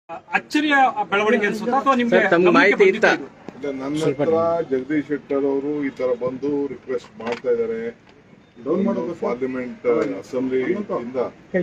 ಅಚ್ಚರಿಯ ಬೆಳವಣಿಗೆ ಅನ್ಸುತ್ತಾ ಅಥವಾ ನಿಮಗೆ ತಮ್ಮ ಮಾಹಿತಿ ಇತ್ತ? ನನ್ನ ಹತ್ರ ಜಗದೀಶ್ ಶೆಟ್ಟರ್ ಅವರು ಈ ತರ ಬಂದು ರಿಕ್ವೆಸ್ಟ್ ಮಾಡ್ತಾ ಇದ್ದಾರೆ. ಪಾರ್ಲಿಮೆಂಟ್ ಅಸೆಂಬ್ಲಿ ಇಂದ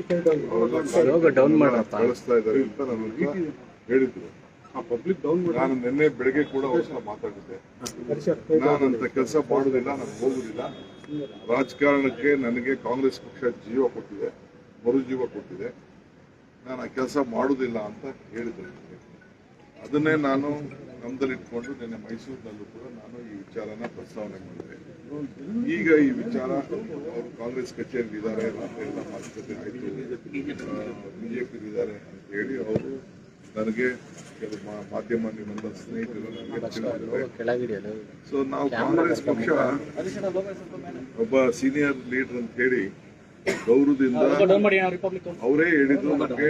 ಕಳಿಸ್ತಾ ಇದ್ದಾರೆ ಅಂತ ನನಗೆ ಹೇಳಿದ್ರು. ನಾನು ನಿನ್ನೆ ಬೆಳಗ್ಗೆ ಕೂಡ ಅವ್ರ ಮಾತಾಡಿದ್ದೆ. ನಾನಂತ ಕೆಲಸ ಮಾಡುದಿಲ್ಲ, ನಾನು ಹೋಗುದಿಲ್ಲ. ರಾಜಕಾರಣಕ್ಕೆ ನನಗೆ ಕಾಂಗ್ರೆಸ್ ಪಕ್ಷ ಜೀವ ಕೊಟ್ಟಿದೆ, ಮರುಜೀವ ಕೊಟ್ಟಿದೆ. ನಾನು ಆ ಕೆಲಸ ಮಾಡುವುದಿಲ್ಲ ಅಂತ ಹೇಳಿದ್ದೆ. ಅದನ್ನೇ ನಾನು ನಮ್ದಲ್ಲಿಟ್ಕೊಂಡು ನಿನ್ನೆ ಮೈಸೂರಿನಲ್ಲೂ ಕೂಡ ನಾನು ಈ ವಿಚಾರನ ಪ್ರಸ್ತಾವನೆ ಮಾಡಿದೆ. ಈಗ ಈ ವಿಚಾರ ಅವರು ಕಾಂಗ್ರೆಸ್ ಕಚೇರಿ ಇದ್ದಾರೆ ಎಲ್ಲ ಮಾತುಕತೆ ಆಯಿತು, ಬಿಜೆಪಿ ಇದ್ದಾರೆ ಅಂತ ಹೇಳಿ ಅವರು ನನಗೆ ಕೆಲವು ಮಾಧ್ಯಮ ನಿಮ್ಮೆಲ್ಲ ಸ್ನೇಹಿತರು ನನಗೆ ತಿಳಿದಿದ್ದಾರೆ. ಸೊ ನಾವು ಕಾಂಗ್ರೆಸ್ ಪಕ್ಷ ಒಬ್ಬ ಸೀನಿಯರ್ ಲೀಡರ್ ಅಂತ ಹೇಳಿ ಗೌರವದಿಂದ ಅವರೇ ಹೇಳಿದ್ರು ನನಗೆ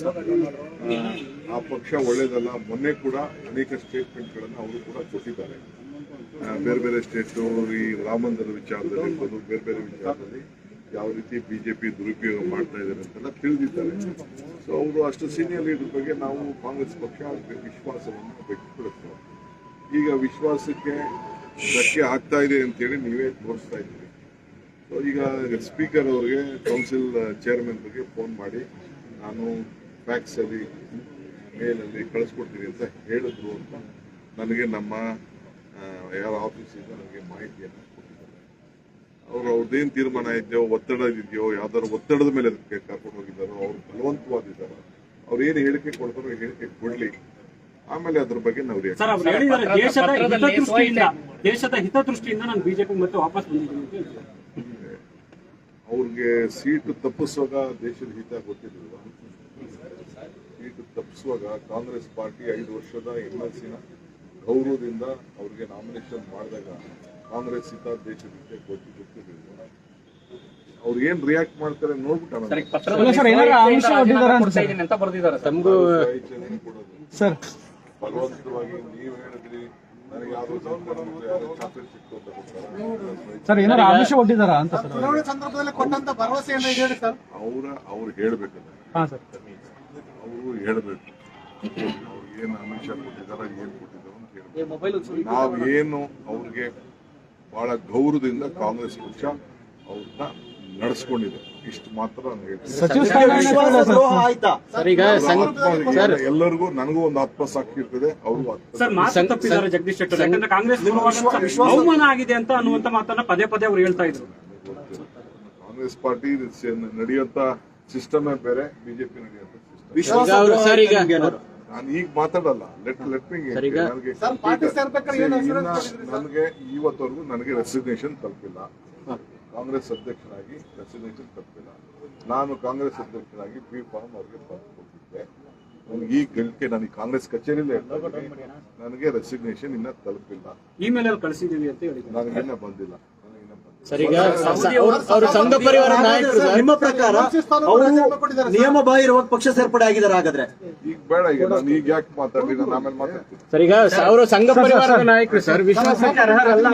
ಆ ಪಕ್ಷ ಒಳ್ಳೇದಲ್ಲ. ಮೊನ್ನೆ ಕೂಡ ಅನೇಕ ಸ್ಟೇಟ್ಮೆಂಟ್ಗಳನ್ನು ಅವರು ಕೂಡ ಕೊಟ್ಟಿದ್ದಾರೆ. ಬೇರೆ ಬೇರೆ ಸ್ಟೇಟು ಈ ರಾಮ ಮಂದಿರ ವಿಚಾರದಲ್ಲಿ ಬೇರೆ ಬೇರೆ ವಿಚಾರದಲ್ಲಿ ಯಾವ ರೀತಿ ಬಿಜೆಪಿ ದುರುಪಯೋಗ ಮಾಡ್ತಾ ಇದ್ದಾರೆ ಅಂತೆಲ್ಲ ತಿಳಿದಿದ್ದಾರೆ. ಸೊ ಅವರು ಅಷ್ಟು ಸೀನಿಯರ್ ಲೀಡರ್ ಬಗ್ಗೆ ನಾವು ಕಾಂಗ್ರೆಸ್ ಪಕ್ಷ ವಿಶ್ವಾಸವನ್ನು ವ್ಯಕ್ತಪಡಿಸ್ತೇವೆ. ಈಗ ವಿಶ್ವಾಸಕ್ಕೆ ಧಕ್ಕೆ ಆಗ್ತಾ ಇದೆ ಅಂತೇಳಿ ನೀವೇ ತೋರಿಸ್ತಾ ಇದ್ದೀರಿ. ಸೊ ಈಗ ಸ್ಪೀಕರ್ ಅವರಿಗೆ ಕೌನ್ಸಿಲ್ ಚೇರ್ಮನ್ ಬಗ್ಗೆ ಫೋನ್ ಮಾಡಿ ನಾನು ಫ್ಯಾಕ್ಸಲ್ಲಿ ಮೇಲಲ್ಲಿ ಕಳಿಸ್ಕೊಡ್ತೀನಿ ಅಂತ ಹೇಳಿದ್ರು ಅಂತ ನನಗೆ ನಮ್ಮ ಯಾರ ಆಫೀಸಿಂದ ನನಗೆ ಮಾಹಿತಿಯನ್ನು ಕೊಟ್ಟಿದ್ದಾರೆ. ಅವ್ರದ್ದೇನು ತೀರ್ಮಾನ ಇದೆಯೋ, ಒತ್ತಡ ಇದೆಯೋ, ಯಾವ್ದಾದ್ರು ಒತ್ತಡದ ಮೇಲೆ ಅದಕ್ಕೆ ಕರ್ಕೊಂಡು ಹೋಗಿದ್ದಾರೋ, ಅವ್ರು ಬಲವಂತವಾದಿದ್ದಾರೋ, ಅವ್ರು ಏನು ಹೇಳಿಕೆ ಕೊಡ್ತಾರೋ ಹೇಳಿಕೆ ಕೊಡ್ಲಿ, ಆಮೇಲೆ ಅದ್ರ ಬಗ್ಗೆ ನಾವು ದೇಶದ ಹಿತದೃಷ್ಟಿಯಿಂದ ನಾನು ಬಿಜೆಪಿ ಮತ್ತೆ ವಾಪಸ್ ಬಂದಿದ್ದೀನಿ. ಅವ್ರಿಗೆ ಸೀಟು ತಪ್ಪಿಸುವಾಗ ದೇಶದ ಹಿತ ಗೊತ್ತಿರಲಿಲ್ಲ. ಸೀಟು ತಪ್ಪಿಸುವಾಗ ಕಾಂಗ್ರೆಸ್ ಪಾರ್ಟಿ 5 ವರ್ಷದ MLC-ನ ಗೌರವದಿಂದ ಅವ್ರಿಗೆ ನಾಮಿನೇಷನ್ ಮಾಡಿದಾಗ ಕಾಂಗ್ರೆಸ್ ಹಿತ ದೇಶದ ಹಿತ ಗೊತ್ತಿರಲಿಲ್ಲ. ಅವ್ರು ಏನ್ ರಿಯಾಕ್ಟ್ ಮಾಡ್ತಾರೆ ನೋಡ್ಬಿಟ್ಟು ಬಲವಂತವಾಗಿ ನೀವು ಹೇಳಿದ್ರಿ ನನಗೆ ಯಾವ್ದು ಚಾಕ್ಲೇಟ್ ಸಿಕ್ತು ಅಂತ ಸರ್, ಏನಾದ್ರು ಆಮಿಷ ಒಡ್ಡಿದಾರ ಅಂತ ಸಂದರ್ಭದಲ್ಲಿ ಕೊಟ್ಟಂತ ಭರವಸೆಯನ್ನು ಹೇಳಿ ಸರ್. ಅವ್ರು ಹೇಳ್ಬೇಕಲ್ಲ, ಅವರು ಹೇಳ್ಬೇಕು ಅವ್ರು ಏನು ಆಮಿಷ ಕೊಟ್ಟಿದಾರ, ಏನ್ ಕೊಟ್ಟಿದಾರ ಅಂತ ಹೇಳ್ಬೇಕು. ನಾವೇನು ಅವ್ರಿಗೆ ಬಹಳ ಗೌರವದಿಂದ ಕಾಂಗ್ರೆಸ್ ಪಕ್ಷ ಅವ್ರನ್ನ ನಡೆಸ್ಕೊಂಡಿದೆ, ಇಷ್ಟು ಮಾತ್ರ ನಾನು ಹೇಳ್ತೀನಿ. ಎಲ್ಲರಿಗೂ ನನಗೂ ಒಂದು ಆತ್ಮಸಾಕ್ಷಿ ಇರ್ತದೆ, ಅವರು ಜಗದೀಶ್ ಶೆಟ್ಟರ್ ಯಾಕಂದ್ರೆ ಕಾಂಗ್ರೆಸ್ ಅವಮಾನ ಆಗಿದೆ ಅಂತ ಅನ್ನುವಂತ ಮಾತನ್ನ ಪದೇ ಪದೇ ಅವ್ರು ಹೇಳ್ತಾ ಇದ್ರು. ಕಾಂಗ್ರೆಸ್ ಪಾರ್ಟಿ ನಡೆಯುವಂತ ಸಿಸ್ಟಮೇ ಬೇರೆ, ಬಿಜೆಪಿ ನಡೆಯುವಂತ ಸಿಸ್ಟಮ್. ನಾನು ಈಗ ಮಾತಾಡಲ್ಲ, ಲೆಟ್ ಮೀ ನನಗೆ ಇವತ್ತವರೆಗೂ ನನಗೆ ರೆಸಿಗ್ನೇಷನ್ ತಲುಪಿಲ್ಲ. ಕಾಂಗ್ರೆಸ್ ಅಧ್ಯಕ್ಷರಾಗಿ ರೆಸಿಗ್ನೇಷನ್ ತಲುಪಿಲ್ಲ. ನಾನು ಕಾಂಗ್ರೆಸ್ ಅಧ್ಯಕ್ಷರಾಗಿ ಬಿ ಫಾರ್ಮ್ ಅವ್ರಿಗೆ ಬರೆದು ಕೊಟ್ಟಿದ್ದೆ. ನನಗೆ ಈ ಗಳಿಕೆ ನನಗೆ ಕಾಂಗ್ರೆಸ್ ಕಚೇರಿಯಲ್ಲೇ ನನಗೆ ರೆಸಿಗ್ನೇಷನ್ ಇನ್ನ ತಲುಪಿಲ್ಲ. ಇಮೇಲ್ ಅಲ್ಲಿ ಕಳಿಸಿದೀವಿ ಅಂತ ಹೇಳಿ ನನಗಿನ್ನ ಬಂದಿಲ್ಲ. ಸಂಘ ಪರಿವಾರ ನಾಯಕರು ನಿಮ್ಮ ಪ್ರಕಾರ ನಿಯಮ ಬಾಹಿರವಾಗಿ ಪಕ್ಷ ಸೇರ್ಪಡೆ ಆಗಿದ್ದಾರೆ. ಹಾಗಾದ್ರೆ ಈಗ ಬೇಡ, ಈಗ ನಾನು ಈಗ ಯಾಕೆ ಮಾತಾಡ್ಲಿ, ನಾನು ಆಮೇಲೆ ಮಾತಾಡ್ತೀನಿ. ಸರ್, ಈಗ ಅವರು ಸಂಘ ಪರಿವಾರದ ನಾಯಕರು ಸರ್, ವಿಶ್ವಾಸಕ್ಕೆ ಅರ್ಹರಲ್ಲ.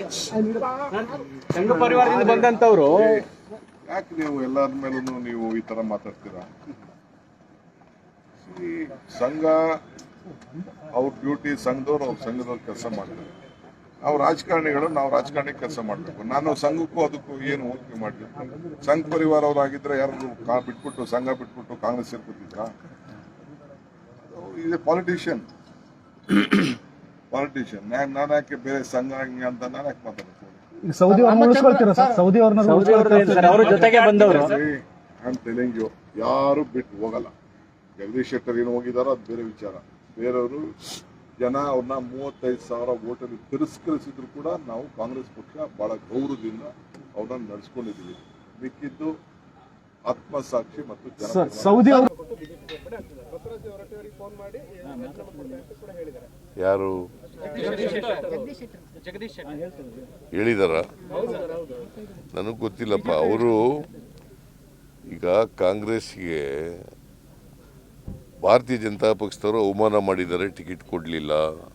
ಸಂಘ ಪರಿವಾರದಿಂದ ಬಂದಂತವ್ರು ಯಾಕೆ ನೀವು ಎಲ್ಲರ ಮೇಲೂ ನೀವು ಈ ತರ ಮಾತಾಡ್ತೀರಾ? ಸಂಘ ಅವ್ರ ಡ್ಯೂಟಿ, ಸಂಘದವ್ರು ಅವ್ರ ಸಂಘದವ್ರು ಕೆಲಸ ಮಾಡ್ತಾರೆ. ನಾವು ರಾಜಕಾರಣಿಗಳು, ನಾವು ರಾಜಕಾರಣಿ ಕೆಲಸ ಮಾಡಬೇಕು. ನಾನು ಸಂಘಕ್ಕೂ ಅದಕ್ಕೂ ಏನು ಹೋಲಿಕೆ ಮಾಡಲಿ? ಸಂಘ ಪರಿವಾರ ಅವರಾಗಿದ್ರೆ ಯಾರು ಬಿಟ್ಬಿಟ್ಟು ಸಂಘ ಬಿಟ್ಬಿಟ್ಟು ಕಾಂಗ್ರೆಸ್ ಸೇರ್ಕೊತಿದ್ರ? ಇದೆ ಪಾಲಿಟಿಷಿಯನ್. ನಾನು ಯಾಕೆ ಬೇರೆ ಸಂಘ ಅಂತ ನಾನು ಯಾಕೆ ಮಾತಾಡ್ತೀನಿ? ಸೌದಿ ಅವ್ರ ಜೊತೆಗೆ ಬಂದವರು ಯಾರು ಬಿಟ್ಟು ಹೋಗಲ್ಲ. ಜಗದೀಶ್ ಶೆಟ್ಟರ್ ಏನು ಹೋಗಿದಾರೋ ಅದು ಬೇರೆ ವಿಚಾರ. ಬೇರೆಯವರು ಜನ ಅವ್ರನ್ನ 35,000 ಓಟಲ್ಲಿ ತಿರಸ್ಕರಿಸಿದ್ರು ಕೂಡ ನಾವು ಕಾಂಗ್ರೆಸ್ ಪಕ್ಷ ಬಹಳ ಗೌರವದಿಂದ ಅವ್ರನ್ನ ನಡೆಸ್ಕೊಂಡಿದ್ದೀವಿ. ಮಿಕ್ಕಿದ್ದು ಆತ್ಮಸಾಕ್ಷಿ ಮತ್ತು ಸೌದಿ ಯಾರು ಹೇಳಿದಾರ ನನಗೆ ಗೊತ್ತಿಲ್ಲಪ್ಪ. ಅವರು ಈಗ ಕಾಂಗ್ರೆಸ್ಗೆ ಭಾರತೀಯ ಜನತಾ ಪಕ್ಷದವರು ಅವಮಾನ ಮಾಡಿದ್ದಾರೆ, ಟಿಕೆಟ್ ಕೊಡಲಿಲ್ಲ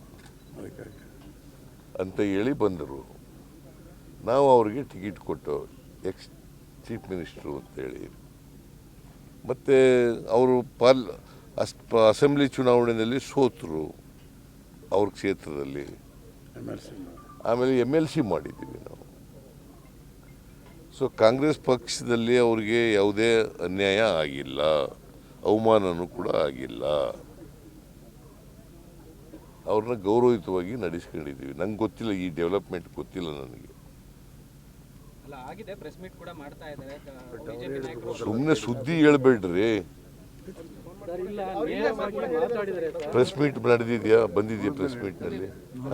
ಅಂತ ಹೇಳಿ ಬಂದರು. ನಾವು ಅವರಿಗೆ ಟಿಕೆಟ್ ಕೊಟ್ಟು ಎಕ್ಸ್ ಚೀಫ್ ಮಿನಿಸ್ಟ್ರು ಅಂತೇಳಿ, ಮತ್ತು ಅವರು ಅಸೆಂಬ್ಲಿ ಚುನಾವಣೆಯಲ್ಲಿ ಸೋತರು ಅವ್ರ ಕ್ಷೇತ್ರದಲ್ಲಿ. ಆಮೇಲೆ MLC ಮಾಡಿದ್ದೀವಿ ನಾವು. ಸೊ ಕಾಂಗ್ರೆಸ್ ಪಕ್ಷದಲ್ಲಿ ಅವ್ರಿಗೆ ಯಾವುದೇ ಅನ್ಯಾಯ ಆಗಿಲ್ಲ, ಅವಮಾನನೂ ಕೂಡ ಆಗಿಲ್ಲ. ಅವ್ರನ್ನ ಗೌರವಯುತವಾಗಿ ನಡೆಸ್ಕೊಂಡಿದ್ದೀವಿ. ನಂಗೆ ಗೊತ್ತಿಲ್ಲ, ಈ ಡೆವಲಪ್ಮೆಂಟ್ ಗೊತ್ತಿಲ್ಲ ನನಗೆ. ಸುಮ್ಮನೆ ಸುದ್ದಿ ಹೇಳ್ಬೇಡ್ರಿ. ಪ್ರೆಸ್ ಮೀಟ್ ನಡೆದಿದ್ಯಾ, ಬಂದಿದ್ಯಾ ಪ್ರೆಸ್ ಮೀಟ್ನಲ್ಲಿ?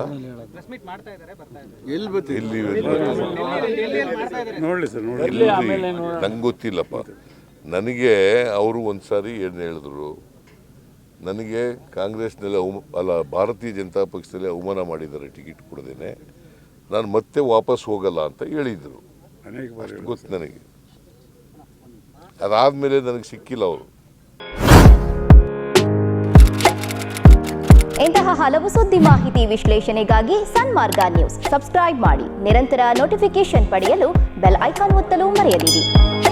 ನಂಗೆ ಗೊತ್ತಿಲ್ಲಪ್ಪ. ನನಗೆ ಅವರು ಒಂದ್ಸಾರಿ ಏನು ಹೇಳಿದ್ರು, ನನಗೆ ಕಾಂಗ್ರೆಸ್ನಲ್ಲಿ ಭಾರತೀಯ ಜನತಾ ಪಕ್ಷದಲ್ಲಿ ಅವಮಾನ ಮಾಡಿದ್ದಾರೆ ಟಿಕೆಟ್ ಕೊಡದೇನೆ, ನಾನು ಮತ್ತೆ ವಾಪಸ್ ಹೋಗಲ್ಲ ಅಂತ ಹೇಳಿದರು. ಅಷ್ಟು ಗೊತ್ತು ನನಗೆ. ಅದಾದಮೇಲೆ ನನಗೆ ಸಿಕ್ಕಿಲ್ಲ ಅವರು. ಇಂತಹ ಹಲವು ಸುದ್ದಿ ಮಾಹಿತಿ ವಿಶ್ಲೇಷಣೆಗಾಗಿ ಸನ್ಮಾರ್ಗ ನ್ಯೂಸ್ ಸಬ್ಸ್ಕ್ರೈಬ್ ಮಾಡಿ. ನಿರಂತರ ನೋಟಿಫಿಕೇಶನ್ ಪಡೆಯಲು ಬೆಲ್ ಐಕಾನ್ ಒತ್ತಲು ಮರೆಯದಿರಿ.